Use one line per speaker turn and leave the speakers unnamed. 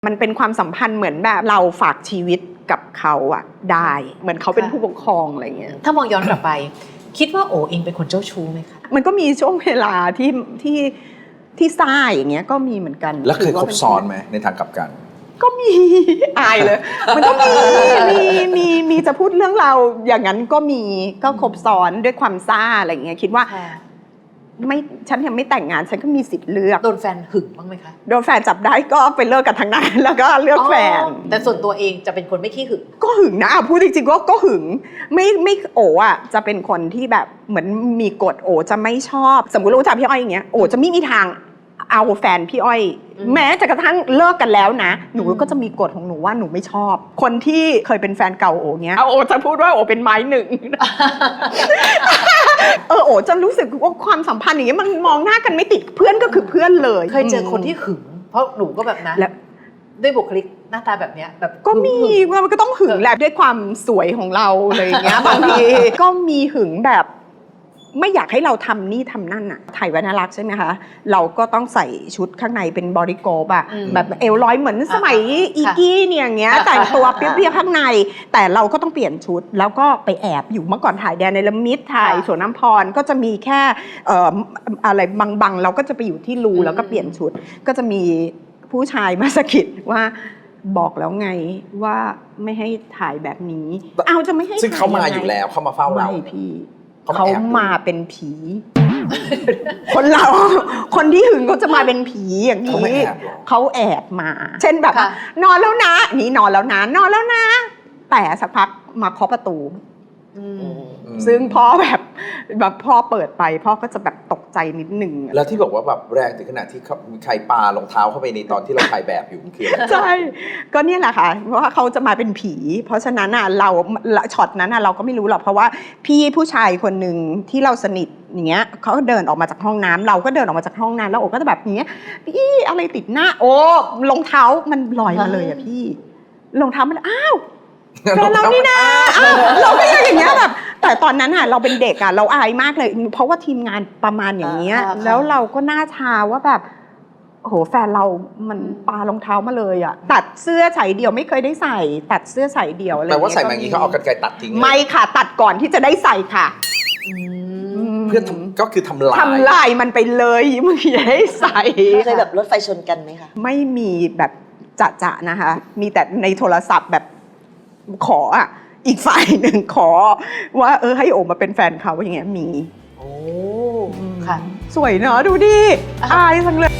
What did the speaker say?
มันเป็นความสัมพันธ์เหมือนแบบเราฝากชีวิตกับเขาอะได้เหมือนเขาเป็นผู้ปกครองอะไรเงี้ย
ถ้ามองย้อนกลับไป คิดว่าโอเองเป็นคนเจ้าชู้ไหมคะ
มันก็มีช่วงเวลาที่ซ่าอย่างเงี้ยก็มีเหมือนกัน
แล้วเคยคบซ้อนไหมในทางกลับกัน
ก็มีอายเลยมันก็มีจะพูดเรื่องเราอย่างนั้นก็มีก็คบซ้อนด้วยความซ่าอะไรเงี้ยคิดว่าไม่ฉันยังไม่แต่งงานฉันก็มีสิทธิ์เลือก
โดนแฟนหึงบ้างไหมคะ
โดนแฟนจับได้ก็ไปเลิกกันทางนั้นแล้วก็เลือกแฟน
แต่ส่วนตัวเองจะเป็นคนไม่ขี้หึง
ก็หึงนะพูดจริงๆก็หึงไม่โออ่ะจะเป็นคนที่แบบเหมือนมีกฎโอจะไม่ชอบสมมุติรู้จักพี่อ้อยอย่างเงี้ยโอจะไม่มีทางเอาแฟนพี่อ้อยแม้จะกระทั่งเลิกกันแล้วนะหนูก็จะมีกฎของหนูว่าหนูไม่ชอบคนที่เคยเป็นแฟนเก่าโอเงี้ยโอจะพูดว่าโอเป็นไม้หนึ่งโอจะรู้สึกว่าความสัมพันธ์อย่างเงี้ยมันมองหน้ากันไม่ติดเพื่อนก็คือเพื่อนเลย
เคยเจอคนที่หึงเพราะหนูก็แบบนั้นด้วยบุคลิกหน้าตาแบบเนี้ยแบบ
ก็มีมันก็ต้องหึงแหละด้วยความสวยของเราอะไรอย่างเงี้ยบางทีก็มีหึงแบบไม่อยากให้เราทำนี่ทำนั่นอะถ่ายวรรณลักษณ์ใช่ไหมคะเราก็ต้องใส่ชุดข้างในเป็นบอดี้โกปอะแบบเอวลอยเหมือนสมัยอีกี้เนี่ยอย่างเงี้ยแต่งตัวเปรี้ยวๆข้างในแต่เราก็ต้องเปลี่ยนชุดแล้วก็ไปแอบอยู่เมื่อก่อนถ่ายแดนในละมิดถ่ายสวนน้ำพรก็จะมีแค่อะไรบางๆเราก็จะไปอยู่ที่รูแล้วก็เปลี่ยนชุดก็จะมีผู้ชายมาสะกิดว่าบอกแล้วไงว่าไม่ให้ถ่ายแบบนี้เอาจะไม่ให้
ซึ่งเขามาอยู่แล้วเขามาเฝ้าเรา
ไม่พี่เขามาเป็นผีคนที่หึงเขาจะมาเป็นผีอย่างนี้เขาแอบมาเช่นแบบนอนแล้วนะนี่นอนแล้วนะนอนแล้วนะแต่สักพักมาเคาะประตูซึ่งพ่อแบบพ่อเปิดไปพ่อก็จะแบบตกใจนิดนึง
แล้วที่บอกว่าแบบแรงถึงขนาดที่มีใครปารองเท้าเข้าไปในตอนที่เราถ่ายแบบอยู่คืออะไร
ใช่ก็เนี่ยแหละค่ะเพราะว่าเขาจะมาเป็นผีเพราะฉะนั้นอ่ะเราช็อตนั้นอ่ะเราก็ไม่รู้หรอกเพราะว่าพี่ผู้ชายคนหนึ่งที่เราสนิทอย่างเงี้ยเขาเดินออกมาจากห้องน้ำเราก็เดินออกมาจากห้องน้ำแล้วโอ้ก็จะแบบนี้พี่อะไรติดหน้าโอ้รองเท้ามันลอยมาเลยอ่ะพี่รองเท้ามันอ้าวแฟนเรานี่นะเราก็อย่างเงี้ยแบบแต่ตอนนั้นอ่ะเราเป็นเด็กอ่ะเราอายมากเลยเพราะว่าทีมงานประมาณอย่างเงี้ยแล้วเราก็หน้าชาว่าแบบโอ้โหแฟนเรามันปารองเท้ามาเลยอ่ะตัดเสื้อใส่เดี่ยวไม่เคยได้ใส่ตัดเสื้อใส่เดี่ยวอะไร
แต่ว่าใส่แบบนี้เขาเอากรรไกรตัดทิ้ง
ไม่ค่ะตัดก่อนที่จะได้ใส่ค่ะ
เพื่อก็คือทำ
ลายมันไปเลยมึงอย่าให้ใส่
เคยแบบรถไฟชนกันไหมคะ
ไม่มีแบบจะนะคะมีแต่ในโทรศัพท์แบบขออ่ะอีกฝ่ายหนึ่งขอว่าให้โอมาเป็นแฟนเขาอย่างเงี้ยมี
โอ้ค่ะ
สวยเนอะดูดิอายจังเลย